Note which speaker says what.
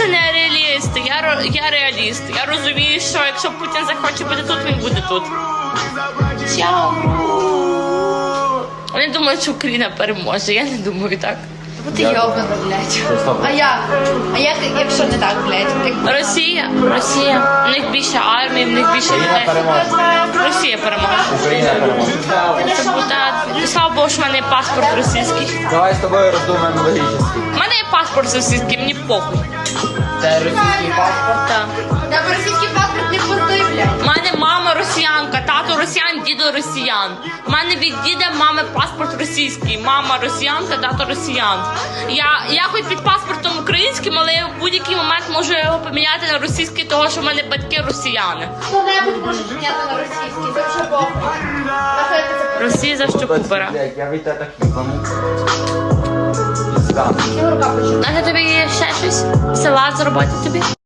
Speaker 1: просто не реаліст, я реаліст. Я розумію, що якщо Путін захоче бути тут, він буде тут. Чао! Вони думають, що Україна переможе, я не думаю так.
Speaker 2: Ти йобана, блядь. А як, якщо не так, блядь?
Speaker 1: Росія. В них більше армії, в них більше людей. Росія переможе.
Speaker 3: Україна переможе.
Speaker 1: Слава Богу, що в мене є паспорт російський.
Speaker 3: Давай з тобою роздумаємо логічно.
Speaker 1: У мене є паспорт російський, мені похуй.
Speaker 3: Це російський паспорт?
Speaker 1: Так.
Speaker 2: Та російський паспорт не пустой, блядь.
Speaker 1: У мене мама росіянка, тато росіян, дідо росіян. У мене від діда мами паспорт російський. Мама росіянка, тато росіян. Я хоч під паспортом українським, але я в будь-який момент можу його поміняти на російський, того що в мене батьки росіяни.
Speaker 2: Хто-небудь може поміняти на російський, це вже похуй. Нахуй ти це
Speaker 1: Росія за що купера.
Speaker 3: Я від тебе так їбану. Пізда.
Speaker 2: рука почула.
Speaker 1: Може тобі є ще щось? Салат зробити тобі?